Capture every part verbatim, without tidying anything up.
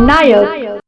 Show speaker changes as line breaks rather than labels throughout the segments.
नायक।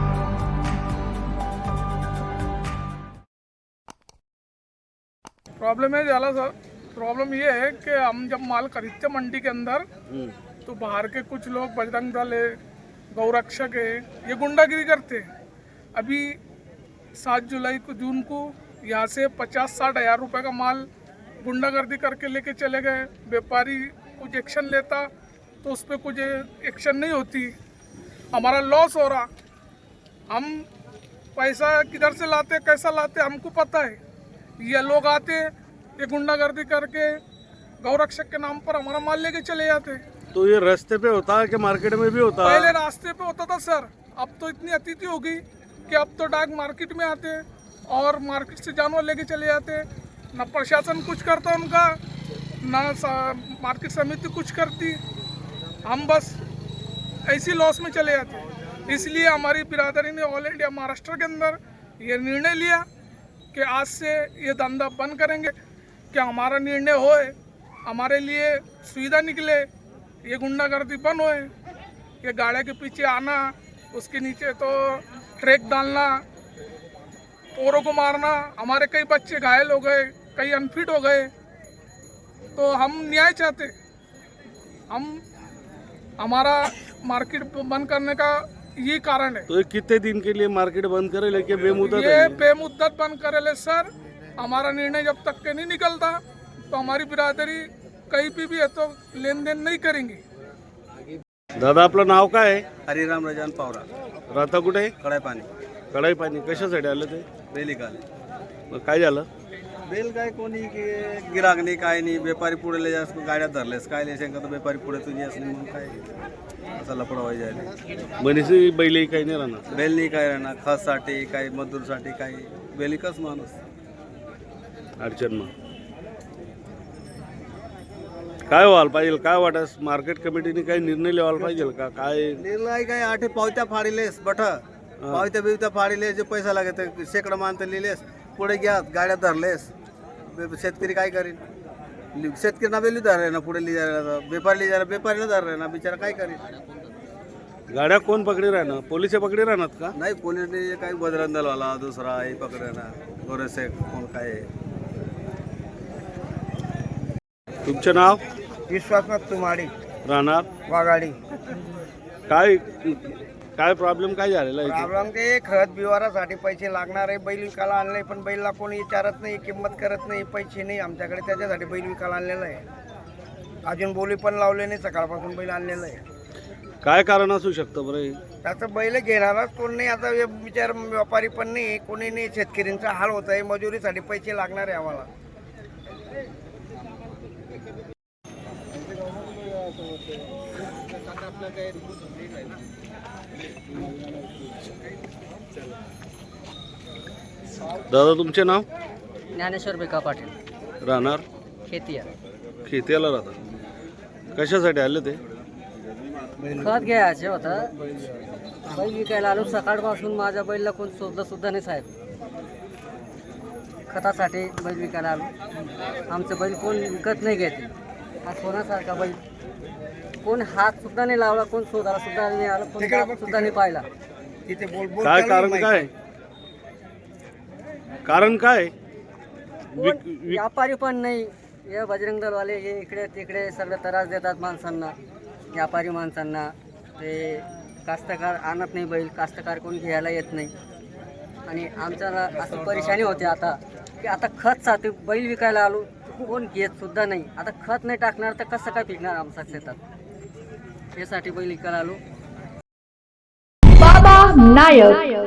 Problem है जाला sir, problem ये है कि हम जब माल खरीदते मंडी के अंदर तो बाहर के कुछ लोग बजरंग दल है, गौरक्षक है, ये गुंडागिरी करते हैं। अभी सात जुलाई को जून को यहाँ से पचास साठ हज़ार रुपये का माल गुंडागर्दी करके लेके चले गए। व्यापारी कुछ एक्शन लेता तो उस पर कुछ एक्शन नहीं होती, हमारा लॉस हो रहा। हम पैसा किधर से लाते कैसा लाते हमको पता है। ये लोग आते ये गुंडागर्दी करके गौरक्षक के नाम पर हमारा माल लेके चले जाते।
तो ये रास्ते पे होता है कि मार्केट में भी होता है?
पहले रास्ते पे होता था सर, अब तो इतनी अतिथि हो गई कि अब तो डाक मार्केट में आते और मार्केट से जानवर लेके चले जाते। ना प्रशासन कुछ करता उनका, ना मार्केट समिति कुछ करती, हम बस ऐसी लॉस में चले जाते। इसलिए हमारी बिरादरी ने ऑल इंडिया महाराष्ट्र के अंदर ये निर्णय लिया कि आज से ये धंधा बंद करेंगे। क्या हमारा निर्णय होए, हमारे लिए सुविधा निकले, ये गुंडागर्दी बंद होए। ये गाड़ियों के पीछे आना, उसके नीचे तो ट्रैक डालना, औरों को मारना, हमारे कई बच्चे घायल हो गए, कई अनफिट हो गए। तो हम न्याय चाहते, हम हमारा मार्केट बंद करने का ये कारण है।
तो ये कितने दिन के लिए मार्केट बंद करे लेके बेमुद्दत?
ये बेमुद्दत बंद करे ले सर, हमारा निर्णय जब तक के नहीं निकलता तो हमारी बिरादरी कहीं भी भी है तो लेन देन नहीं करेंगी।
दादा आपलं नाव काय आहे?
हरिराम रजान पावरा,
राहता कुठे?
कडाई पाणी
कढाई पाणी कशासाठी आलं ते?
बेली काले
मग काय झालं?
बेल काय कोणी की गिराक नाही काय नाही, व्यापारी पुढे ले जास्त गाड्या धरलेस काय ले शंका तर व्यापारी पुढे तुझी असली मग काय असा लपडा व्हायला जायला।
बनीसी बैलही काही नाही राहणार?
बेल नाही काय राहणार, खससाठी काही मजदूरसाठी काही बेलिकच माणूस
अडचण मग काय व्हायला पाहिजे? काय वाटस मार्केट कमिटीने काही निर्णय लिहायला पाहिजे का? काय
निर्णय काय आठे पावत्या फाडिलेस बठ पावत्या बिवत्या फाडिलेस, जे पैसा लागत शेकडा मानत लिहिलेस, पुढे घ्या गाड्या धरलेस, शेतकरी काय करीन? शेतकरी ना बेली धर ना, पुढे लिहायला व्यापारी लिहायला व्यापारीला धर ना, बिचारा काय करीन?
गाड्या कोण पकडी राहणार? पोलिस पकडी राहणार का?
नाही, पोलीसने काही बजरंग दलवाला दुसरा हे पकडणार, गोरेसे कोण काय आहे।
तुमचं नाव?
विश्वासनाथ तुमाडी,
राहणार
वाघाडी।
काय काय प्रॉब्लेम काय झालेला आहे?
प्रॉब्लेम ते खत बिवारासाठी पैसे लागणार आहे, बैल विकायला आणले पण बैलला कोणी विचारत नाही, किंमत करत नाही, पैसे नाही आमच्याकडे, त्याच्यासाठी बैल विकायला आणलेला आहे। अजून बोली पण लावले नाही, सकाळपासून बैल आणलेला आहे।
काय कारण असू शकतं बरं?
त्याचं बैल घेणारच कोण नाही, आता हे विचार व्यापारी पण नाही, कोणी नाही, शेतकऱ्यांचा हाल होत आहे, मजुरीसाठी पैसे लागणार आहे आम्हाला।
दादा तुमचे नाव?
ज्ञानेश्वर बेका पाटील,
राहणार
खेतिया।
खेत्याला राहतात, कशासाठी आले ते?
खत घ्यायचे होतं, बैल विकायला आलो। सकाळपासून माझ्या बैलला कोण शोधलं सुद्धा नाही साहेब, खतासाठी बैल विकायला आलो। आमचं बैल कोण विकत नाही घेते, हा सोन्यासारखा बैल, कोण हात सुद्धा नाही लावला, कोण शोधायला सुद्धा नाही आलं, कोण सुद्धा नाही पाहिला।
काय कारण काय? कारण काय?
कोण व्यापारी पण नाही, हे बजरंग दलवाले हे इकडे तिकडे सगळं त्रास देतात माणसांना, व्यापारी माणसांना। ते कास्तकार आणत नाही बैल, कास्तकार कोण घ्यायला येत नाही, आणि आमच्याला असं परेशानी होते आता की आता खत साठी बैल विकायला आलो, कोण घेत सुद्धा नाही। आता खत नाही टाकणार तर कसं काय पिकणार आमच्या शेतात, यासाठी बैल विकायला आलो।
बाबा नायक।